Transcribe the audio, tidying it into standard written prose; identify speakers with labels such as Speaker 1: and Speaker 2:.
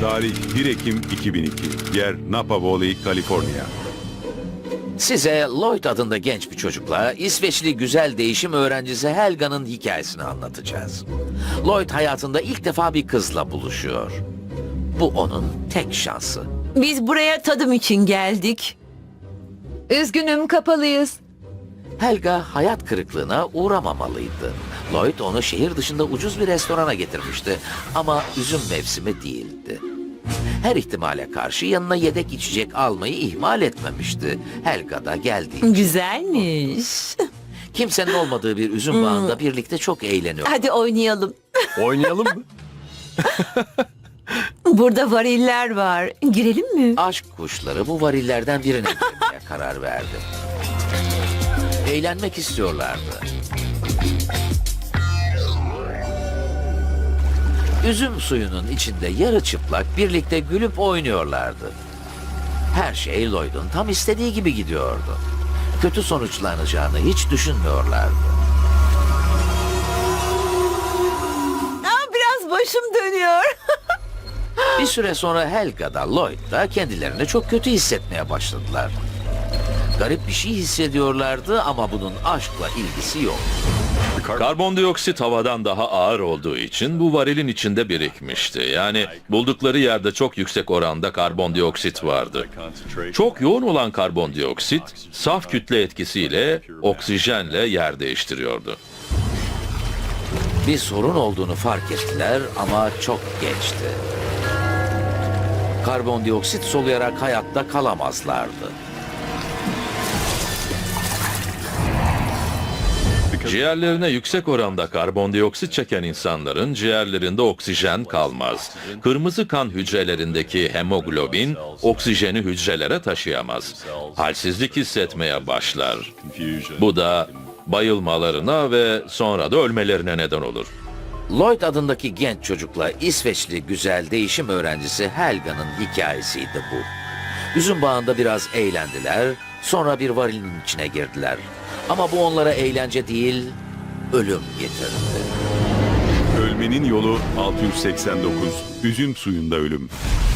Speaker 1: Tarih 1 Ekim 2002. Yer Napa Valley, Kaliforniya.
Speaker 2: Size Lloyd adında genç bir çocukla İsveçli güzel değişim öğrencisi Helga'nın hikayesini anlatacağız. Lloyd hayatında ilk defa bir kızla buluşuyor. Bu onun tek şansı.
Speaker 3: Biz buraya tadım için geldik.
Speaker 4: Üzgünüm, kapalıyız.
Speaker 2: Helga hayat kırıklığına uğramamalıydı. Lloyd onu şehir dışında ucuz bir restorana getirmişti ama üzüm mevsimi değildi. Her ihtimale karşı yanına yedek içecek almayı ihmal etmemişti. Helga da geldi.
Speaker 3: Güzelmiş.
Speaker 2: Kimsenin olmadığı bir üzüm bağında birlikte çok eğleniyor.
Speaker 3: Hadi oynayalım.
Speaker 5: Oynayalım mı?
Speaker 3: Burada variller var. Girelim mi?
Speaker 2: Aşk kuşları bu varillerden birine girmeye karar verdi. Eğlenmek istiyorlardı. Üzüm suyunun içinde yarı çıplak birlikte gülüp oynuyorlardı. Her şey Lloyd'un tam istediği gibi gidiyordu. Kötü sonuçlanacağını hiç düşünmüyorlardı.
Speaker 3: Biraz başım dönüyor.
Speaker 2: Bir süre sonra Helga da Lloyd da kendilerini çok kötü hissetmeye başladılar. Garip bir şey hissediyorlardı ama bunun aşkla ilgisi yok.
Speaker 6: Karbondioksit havadan daha ağır olduğu için bu varilin içinde birikmişti. Yani buldukları yerde çok yüksek oranda karbondioksit vardı. Çok yoğun olan karbondioksit saf kütle etkisiyle oksijenle yer değiştiriyordu.
Speaker 2: Bir sorun olduğunu fark ettiler ama çok geçti. Karbondioksit soluyarak hayatta kalamazlardı.
Speaker 6: Ciğerlerine yüksek oranda karbondioksit çeken insanların ciğerlerinde oksijen kalmaz. Kırmızı kan hücrelerindeki hemoglobin oksijeni hücrelere taşıyamaz. Halsizlik hissetmeye başlar. Bu da bayılmalarına ve sonra da ölmelerine neden olur.
Speaker 2: Lloyd adındaki genç çocukla İsveçli güzel değişim öğrencisi Helga'nın hikayesiydi bu. Üzüm bağında biraz eğlendiler, sonra bir varilin içine girdiler. Ama bu onlara eğlence değil, ölüm getirdi.
Speaker 1: Ölmenin yolu 689. Üzüm suyunda ölüm.